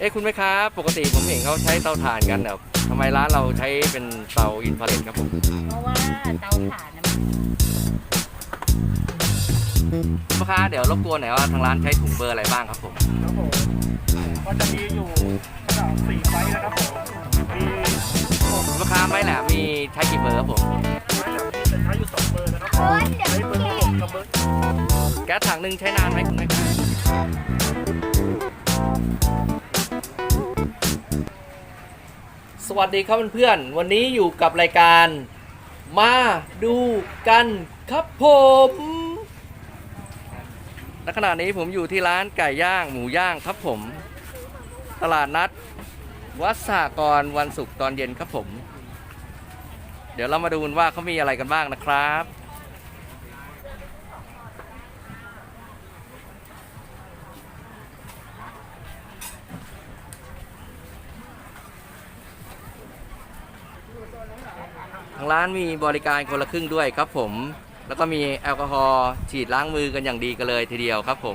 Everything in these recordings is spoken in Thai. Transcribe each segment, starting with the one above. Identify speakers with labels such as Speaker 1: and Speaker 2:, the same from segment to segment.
Speaker 1: คุณแม่ค้าปกติผมเห็นเขาใช้เตาถ่านกันแต่ทำไมร้านเราใช้เป็นเตาอินฟราเรดครับผม
Speaker 2: เพราะว่าเตาถ่านนะ
Speaker 1: คุณแม่ค้าเดี๋ยวรบกวนหน่อยว่าทางร้านใช้ถุงเบอร์อะไรบ้างครับผม
Speaker 3: ครับผมก็จะมีอยู่ขนาด4ไซส์นะครับผมมี
Speaker 1: คุณแม่ค้าไม้แหลมมีใช้กี่เบอร์ครับผม
Speaker 3: ไม้แบบนี้จะใช้อยู่2เบอร์นะครับผมใช้เบอร์6กับเบอร์
Speaker 1: แก๊สถังหนึ่งใช้นานไหมคุณแม่ค้าสวัสดีครับเพื่อนๆวันนี้อยู่กับรายการมาดูกันครับผมณขณะนี้ผมอยู่ที่ร้านไก่ย่างหมูย่างครับผมตลาดนัดวัดสหกรณ์วันศุกร์ตอนเย็นครับผมเดี๋ยวเรามาดูกันว่าเขามีอะไรกันบ้างนะครับทางร้านมีบริการคนละครึ่งด้วยครับผมแล้วก็มีแอลกอฮอล์ฉีดล้างมือกันอย่างดีกันเลยทีเดียวครับผม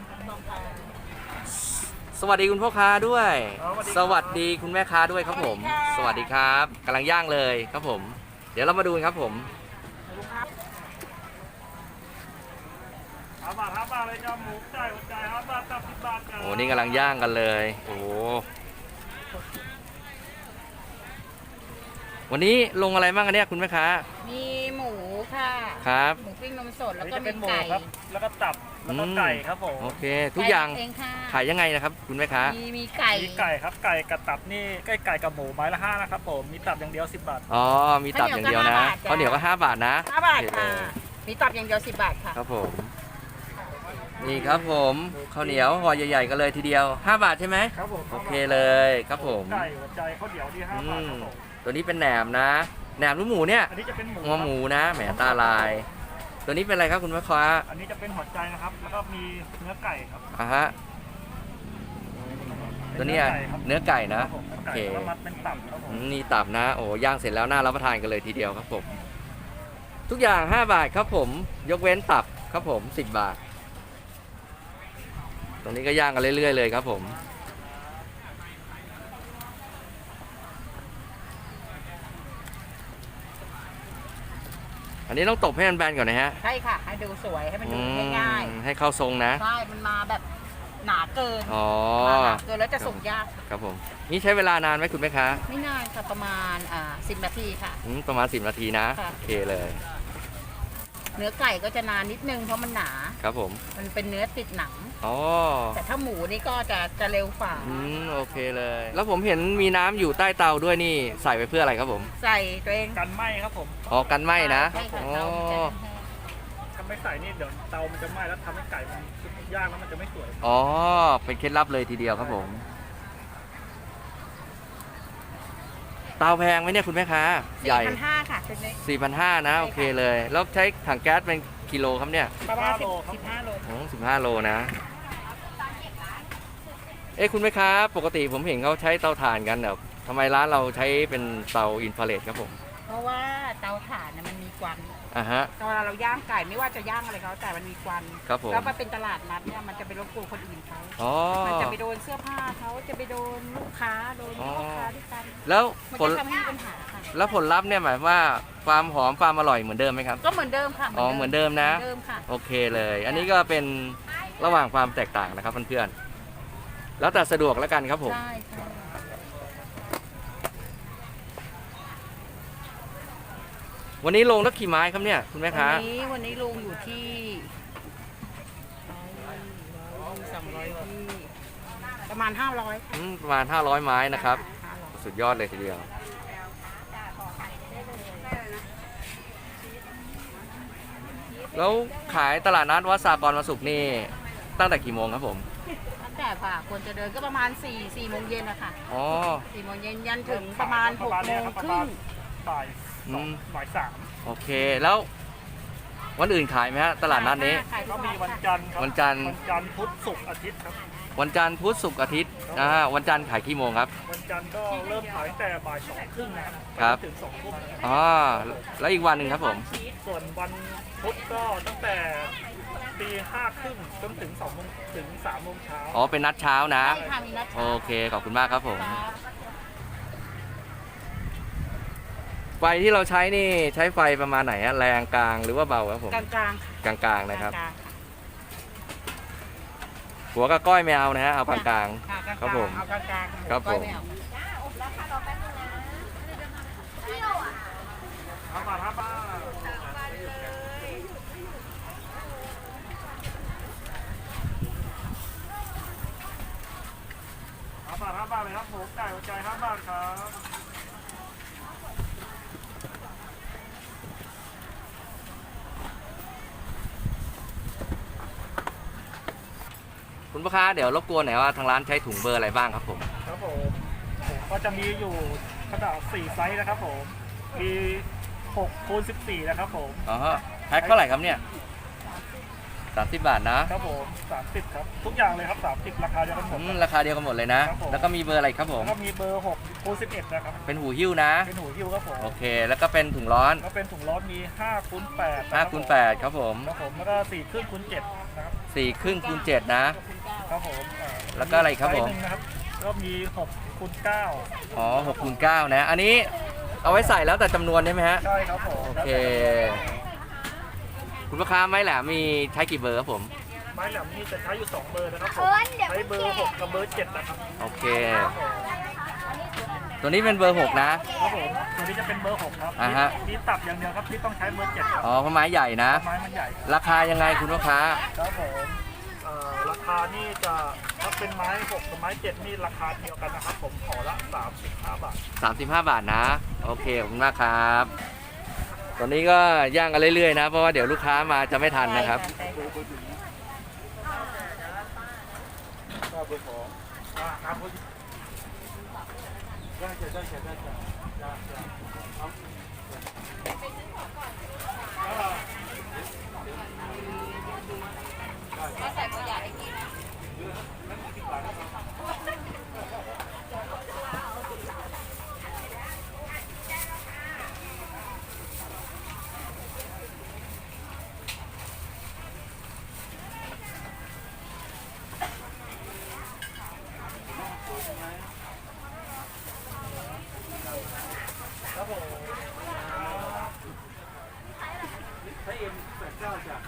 Speaker 1: สวัสดีคุณพ่อค้าด้วยสวัสดีคุณแม่ค้าด้วยครับผมสวัสดีครับกำลังย่างเลยครับผมเดี๋ยวเรามาดูกันครับผม
Speaker 3: 5 บาทเลยจ้าหมูจ่ายหัวใจ5 บาทกับ10 บาทกัน
Speaker 1: โอ้นี่กำลังย่างกันเลยโอ้วันนี้ลงอะไรบ้างกันเนี่ยคุณแม่ค้า
Speaker 2: มีหมูค่ะ
Speaker 1: ครับ
Speaker 2: หมูปิ้งนมสดแล้วก็
Speaker 3: จะเป็
Speaker 2: มี
Speaker 3: นหมู
Speaker 2: ไก่
Speaker 3: ครับแล้วก็ตับแล้วก็ไก่ครับผม
Speaker 1: โอเคทุกอย่าง
Speaker 2: เองค่ะ
Speaker 1: ขายยังไงนะครับคุณแม่ค้า
Speaker 2: มีไก่
Speaker 3: มีไก่ครับไก่กับตับนี่ไก่กับหมูไม้ละ5นะครับผมมีตับอย่างเดียว10 บาท
Speaker 1: อ๋อมีตับอย่างเดียวนะข้าวเหนียวก็5 บาทนะ
Speaker 2: 5 บาทค่ะมีตับอย่างเดียว10 บาทค่ะ
Speaker 1: ครับผมนี่ครับผมข้าวเหนียวห่อใหญ่ๆกันเลยทีเดียว5 บาทใช่ไหม
Speaker 3: ครับผม
Speaker 1: โอเคเลยครับผม
Speaker 3: ไก่หัวใจข้าวเหนียวที่5 บาทครับผม
Speaker 1: ตัวนี้เป็นแหนมนะแหนมหรือหมูเนี่ย
Speaker 3: อันนี้จะเป็นหมู
Speaker 1: งอหมูนะแหมตาลายตัวนี้เป็นอะไรครับคุณแม่ค้า
Speaker 3: อันนี้จะเป็นหัวใจนะครับแล้วก็มีเนื้อไก่ครับ
Speaker 1: ฮะตัวนี้เนื้อไก่นะโอเค
Speaker 3: เป็นตับครับผม
Speaker 1: นี่ตับนะโอ้ย่างเสร็จแล้วน่ารับประทานกันเลยทีเดียวครับผมทุกอย่าง5 บาทครับผมยกเว้นตับครับผม10 บาทตรงนี้ก็ย่างกันเรื่อยๆเลยครับผมอันนี้ต้องตบให้มันแบนก่อนนะฮะ
Speaker 2: ใช่ค่ะให้ดูสวยให้มันดูง่าย
Speaker 1: ให้เข้าทรงนะ
Speaker 2: ใช่มันมาแบบหนาเกิน
Speaker 1: อ๋อ
Speaker 2: หนาเกินแล้วจะสุกยาก
Speaker 1: ครับผมนี่ใช้เวลานานไหมคุณแม่ค้า
Speaker 2: ไม่นานค่ะประมาณ10 นาทีค่ะ
Speaker 1: ประมาณ10 นาทีนะโอเคเลย
Speaker 2: เนื้อไก่ก็จะนานนิดนึงเพราะมันหนา
Speaker 1: ครับผม
Speaker 2: มันเป็นเนื้อติดหนัง
Speaker 1: อ๋อ
Speaker 2: แต่ถ้าหมูนี่ก็จะเร็วฝ่า
Speaker 1: โอเคเลยแล้วผมเห็นมีน้ำอยู่ใต้เตาด้วยนี่ใส่ไปเพื่ออะไรครับผม
Speaker 2: ใส่ตัวเอง
Speaker 3: กันไหม้ครับผม
Speaker 1: อ๋อกันไหม้นะ
Speaker 2: อ๋อ
Speaker 3: ถ้าไม่ใส่นี่เดี๋ยวเตามันจะไหม้แล้วทำให้ไก่มันย่างแล้วมันจะไม่สวย
Speaker 1: อ๋อเป็นเคล็ดลับเลยทีเดียวครับผมเตาแพงไหมเนี่ยคุณแม่ค้าใหญ่
Speaker 2: 4,500ค่ะ
Speaker 1: 4,500นะโอเคเลยแล้วใช้ถังแก๊สเป็นกิโลครับเนี่ย
Speaker 2: ประมาณ15 โล
Speaker 1: 15 โลนะคุณแม่ค้าปกติผมเห็นเขาใช้เตาถ่านกันแต่ทำไมร้านเราใช้เป็นเตาอินฟราเรดครับผม
Speaker 2: เพราะว่าเตาถ่านมันมีควัน
Speaker 1: ฮะ
Speaker 2: เวลาเราย่างไก่ไม่ว่าจะย่างอะไรเขาแต่มันมีควัน
Speaker 1: ครับผม
Speaker 2: แล้วมันเป็นตลาดนัดเนี่ยมันจะไปรบกวนคนอื่นเขามันจะไปโดนเสื้อผ้าเขาจะไปโดนลูกค้าโดนพ่อค้าด้วยกัน
Speaker 1: แล้ว
Speaker 2: ผลทำให้ปัญหาค่ะ
Speaker 1: แล้วผลลัพธ์เนี่ยหมายว่าความหอมความอร่อยเหมือนเดิมไหมครับ
Speaker 2: ก็เหมือนเดิมค่ะ
Speaker 1: เหมือนเดิมนะโอเคเลยอันนี้ก็เป็นระหว่างความแตกต่างนะครับเพื่อนๆแล้วแต่สะดวกแล้วกันครับผม
Speaker 2: ใช่
Speaker 1: วันนี้ลงแล้วกี่ไม้ครับเนี่ยคุณแม่ค้า
Speaker 2: วันนี้ลงอยู่ที่200ที่ประมาณ500
Speaker 1: ประมาณ500 ไม้นะครับสุดยอดเลยทีเดียวแล้วขายตลาดนัดวัดสหกรณ์วันศุกร์นี่ตั้งแต่กี่โมงครับผม
Speaker 2: ตั้งแต่ค่ะคนจะเดินก็ประมาณ4 โมงเย็นนะคะ4 โมงเย็นยันถึงประมาณ6 โมงครึ่ง
Speaker 3: บ่าย3
Speaker 1: โอเคแล้ววันอื่นขายไหมฮะตลาดนัดนี้
Speaker 3: ก็มีวันจันทร์พุธศุกร์อาทิตย์ครับ
Speaker 1: วันจันทร์พุธศุกร์อาทิตย์วันจันทร์ขายกี่โมงครับ
Speaker 3: วันจันทร์ก็เริ่มขายแต่บ่าย2 ครึ่ง
Speaker 1: นะครับ
Speaker 3: ถึง2 ทุ่ม
Speaker 1: แล้วอีกวันหนึ่งครับผม
Speaker 3: ส่วนวันพุธก็ตั้งแต่ตี5:30จนถึง2 โมงถึง3 โมงเช้า
Speaker 1: อ๋อเป็นนัดเช้านะ
Speaker 2: ใช่ค่ะมีนัด
Speaker 1: โอ
Speaker 2: เช้า
Speaker 1: เคขอบคุณมากครับผม
Speaker 2: ค่ะ
Speaker 1: ไฟที่เราใช้นี่ใช้ไฟประมาณไหนฮะแรงกลางหรือว่าเบาครับผม
Speaker 2: กลางๆค่ะ
Speaker 1: กลางๆนะครับ
Speaker 2: กลาง
Speaker 1: หัวกับก้อยไม่เอานะฮะเอากลาง
Speaker 2: ๆค่ะกลางๆ
Speaker 1: ครับผม
Speaker 2: เอากลางๆ
Speaker 1: ครับผม
Speaker 2: ก้อยไเอา
Speaker 3: 5 บาท 5 บาท5 บาทเลยครับหมูไก่หัวใจ5 บาทครับ
Speaker 1: ๆคุณพ่อค้าเดี๋ยวรบกวนหน่อยว่าทางร้านใช้ถุงเบอร์อะไรบ้างครับผม
Speaker 3: ครับผมก็จะมีอยู่ขนาด4 ไซส์นะครับผม มี6x14นะครับผม
Speaker 1: อ๋อฮะแพ็คเท่าไหร่ครับเนี่ย30 บาทนะครับ
Speaker 3: ผม30ครับทุกอย่างเลยครับ30ราคาเดียวกันหมด
Speaker 1: ราคาเดียวกันหมดเลยนะ
Speaker 3: ครับผม
Speaker 1: แล้วก็มีเบอร์อะไรครับผม
Speaker 3: แล้วก็มีเบอร์6x11นะครับ
Speaker 1: เป็นหูหิ้วนะ
Speaker 3: เป็นหูหิ้วครับผม
Speaker 1: โอเค แล้วก็เป็นถุงร้อน
Speaker 3: แล้วเป็นถุงร้อนมี5x8
Speaker 1: 5x8ครับผม
Speaker 3: ครับผมแล้วก็4x7นะครับ
Speaker 1: 4ครึ่งคูณ7นะครับ
Speaker 3: ผม
Speaker 1: แล้วก็อะไรครับผม
Speaker 3: ไซส์หนึ่งนะครับก็มี6x9
Speaker 1: อ๋อ6คูณ9นะ อันนี้เอาไว้ใส่แล้วแต่จำนวนใช่ไหมฮะ
Speaker 3: ใช่ครับผม
Speaker 1: โอเค คุณพ่อค้าไม้แหลมมีใช้กี่เบอร์ครับผม
Speaker 3: ไม้แหลมนี่จะใช้อยู่2 เบอร์นะครับผมใช้เบอร์6กับเบอร์7นะครับ
Speaker 1: โอเค ตัวนี้เป็นเบอร์6นะครับ
Speaker 3: ผมตัวนี้จะเป็นเบอร์6ครับ
Speaker 1: อ่าฮะ
Speaker 3: มีตับอย่างเดียวครับที่ต้องใช้เบอร์7ครับ
Speaker 1: อ๋อเพราะไม้ใหญ่นะ
Speaker 3: ไม้มันใหญ่ครับ
Speaker 1: ราคายังไงคุณพ่อค้า
Speaker 3: ครับผมราคานี่จะถ้าเป็นไม้6กับไม้7นี่ราคาเดียวกันนะครับผมขอละ35 บาท
Speaker 1: 35 บาทนะ โอเค ขอบคุณมากครับ ตอนนี้ก็ย่างกันเรื่อยๆนะ เพราะว่าเดี๋ยวลูกค้ามาจะไม่ทันนะครับ
Speaker 2: ใช่ค่ะ
Speaker 3: ก็เบอร์ของครับผมได้ได้ได้ครับผมถ้าเอ็ม89จ้ะ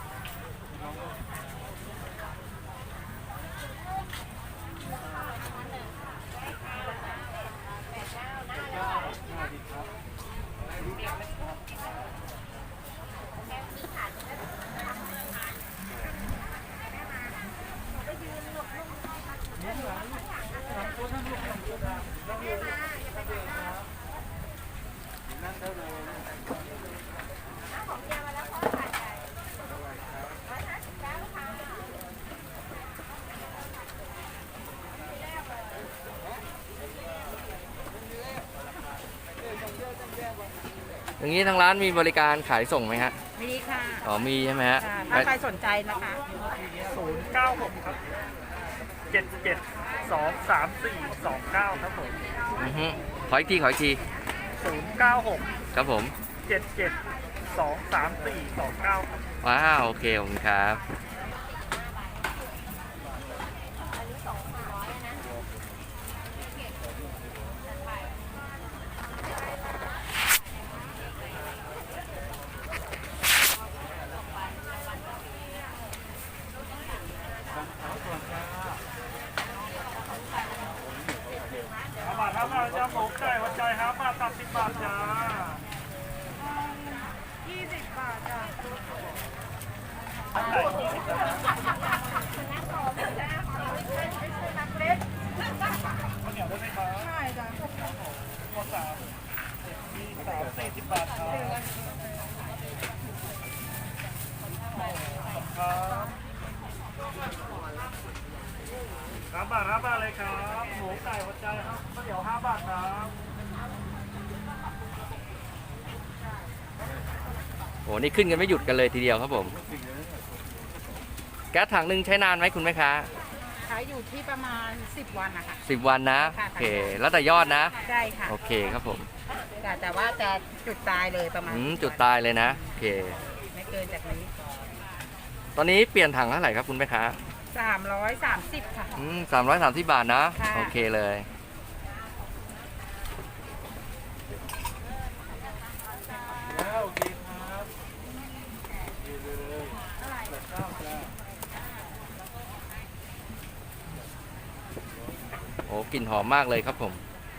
Speaker 1: อย่างนี้ทางร้านมีบริการขายส่งไหมฮะ
Speaker 2: มีค่ะ
Speaker 1: อ๋อมีใช่ไหมฮะ
Speaker 2: ค่ะถ้าใครสนใจนะคะ
Speaker 3: 096ครับ772342ครับผม
Speaker 1: อือฮึขออีกทีขออีกที
Speaker 3: 096
Speaker 1: ครับผม
Speaker 3: 772342ครับ
Speaker 1: ว้าวโอเคขอบคุณครับ
Speaker 3: 5 บาท5 บาทจ้าหมูไก่หัวใจ5 บาทตับ10 บาทจ้า20 บาทจ้าไก่20 บาทข้าวเหนียวได้ไหมครับใช่จ้าหมด3มี40 บาทครับครับ5 บาท5 บาทเลยครับหมูไก่หัวใจครับข้าวเหนียว5 บาทครับ
Speaker 1: โอ้นี่ขึ้นกันไม่หยุดกันเลยทีเดียวครับผม แก๊สถังหนึ่งใช้นานไหมคุณแม่ค้า
Speaker 2: ขายอยู่ที่ประมาณ10 วันนะคะ
Speaker 1: 10 วันนะ
Speaker 2: ค่ะ
Speaker 1: โอเค แล้วแต่ยอดนะ
Speaker 2: ใช่ค่ะ
Speaker 1: โอเคครับผม
Speaker 2: แต่ว่าจะจุดตายเลยประมาณ
Speaker 1: จุดตายเลยนะ โอเค
Speaker 2: ไม่เกินจากนี้
Speaker 1: ตอนนี้เปลี่ยนถังเท่าไหร่ครับคุณแม่ค้า
Speaker 2: 330ค่ะ
Speaker 1: 330 บาทนะ
Speaker 2: ค่ะ
Speaker 1: โอเคเลย
Speaker 3: แล้วโอเคครับดีเลย8 9จ้า
Speaker 1: โอ้กลิ่นหอมมากเลยครับผม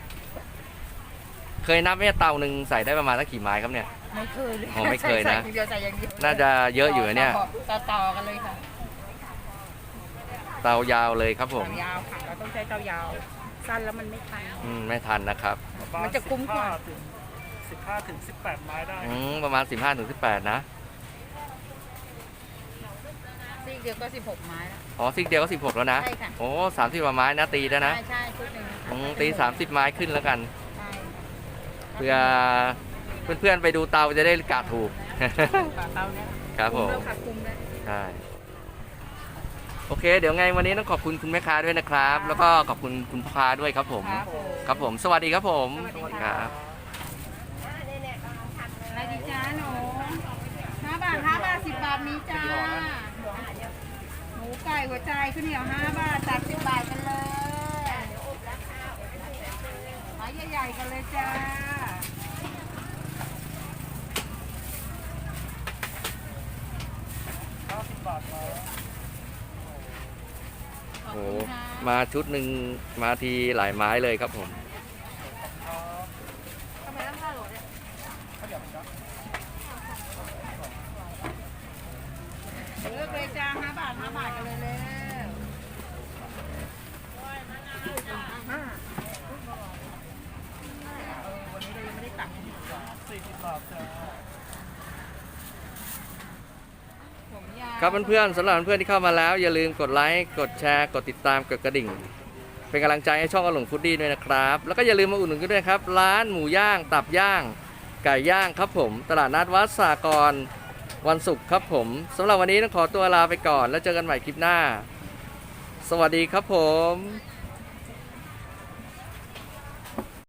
Speaker 1: เคยนับไหมเตาหนึ่งใส่ได้ประมาณสักกี่ไม้ครับเนี่ย
Speaker 2: ไม่เคยเลย
Speaker 1: อ๋อไม่เคยนะ
Speaker 2: ใส่อย่างเดียวใส่อย่างเดียว
Speaker 1: น่าจะเยอะอยู่นะเนี่ย
Speaker 2: ต่อกันเลยค่ะ
Speaker 1: เตายาวเลยครับผม
Speaker 2: เตายาวค่ะเราต้องใช้เตายาว สั้นแล้วมันไม่ทัน
Speaker 1: ไม่ทันนะครับ
Speaker 2: มันจะคุ้มกว่า
Speaker 3: 15ถึง18 ไม้ได้
Speaker 1: ประมาณ 15-18 นะ
Speaker 2: ซีกเดียวก็16 ไม้แล้ว
Speaker 1: อ๋อซิกเดียวก็16แล้วนะ
Speaker 2: ใช่ค่ะ
Speaker 1: โอ้30กว่าไม้นะตีได้นะ
Speaker 2: ใช่ใช่ชุดหนึ่งค่ะ
Speaker 1: ตี30 ไม้ขึ้นแล้วกัน
Speaker 2: ใช่
Speaker 1: เพื่อเพื่อนๆไปดูเตาจะได้กะถูก
Speaker 2: เตาเนี่ย
Speaker 1: ครับผม
Speaker 2: คุ้แล้วค่ะคุ้มแล้ว
Speaker 1: ใช่ โอเค เดี๋ยวไงวันนี้ต้องขอบคุณคุณแม่ค้าด้วยนะครับ แล้วก็ขอบคุณคุณพ่อค้าด้วยครับผม
Speaker 2: ครับผม
Speaker 1: ครับผม สวัสดีครับผม
Speaker 2: สวัสดี
Speaker 1: ค
Speaker 2: ค่ะ
Speaker 1: รับ
Speaker 2: อะไรดีจ้าหนู5 บาท5 บาท10 บาทนี้จ้าหมูไก่หัวใจข้าวเหนียว5 บาทตัด10 บาทกันเลยไม้ใหญ่ๆกันเลยจ้า
Speaker 3: 50 บาทครับ
Speaker 2: ขอบ
Speaker 1: โอ้
Speaker 2: คุณค่ะ
Speaker 1: มาชุดหนึ่งมาทีหลายไม้เลยครับผม
Speaker 2: ทำไมต้อง5 โลเนี่ยเลือกเลยจ้า5 บาท5 บาทกันเลยเลยวันนี้เรายังไม่ได้ตัก
Speaker 3: 40 บาทจ้า
Speaker 2: ผมยาว
Speaker 1: ครับเพื่อนๆสำหรับเพื่อนๆที่เข้ามาแล้วอย่าลืมกดไลค์กดแชร์กดติดตามกดกระดิ่ง เป็นกำลังใจให้ช่องอลงฟูดดี้ด้วยนะครับแล้วก็อย่าลืมมาอุดหนุนกันด้วยครับร้านหมูย่างตับย่างไก่ย่างครับผมตลาดนัดวัดสากรวันศุกร์ครับผมสำหรับวันนี้ต้องขอตัวลาไปก่อนแล้วเจอกันใหม่คลิปหน้า สวัสดีครับผม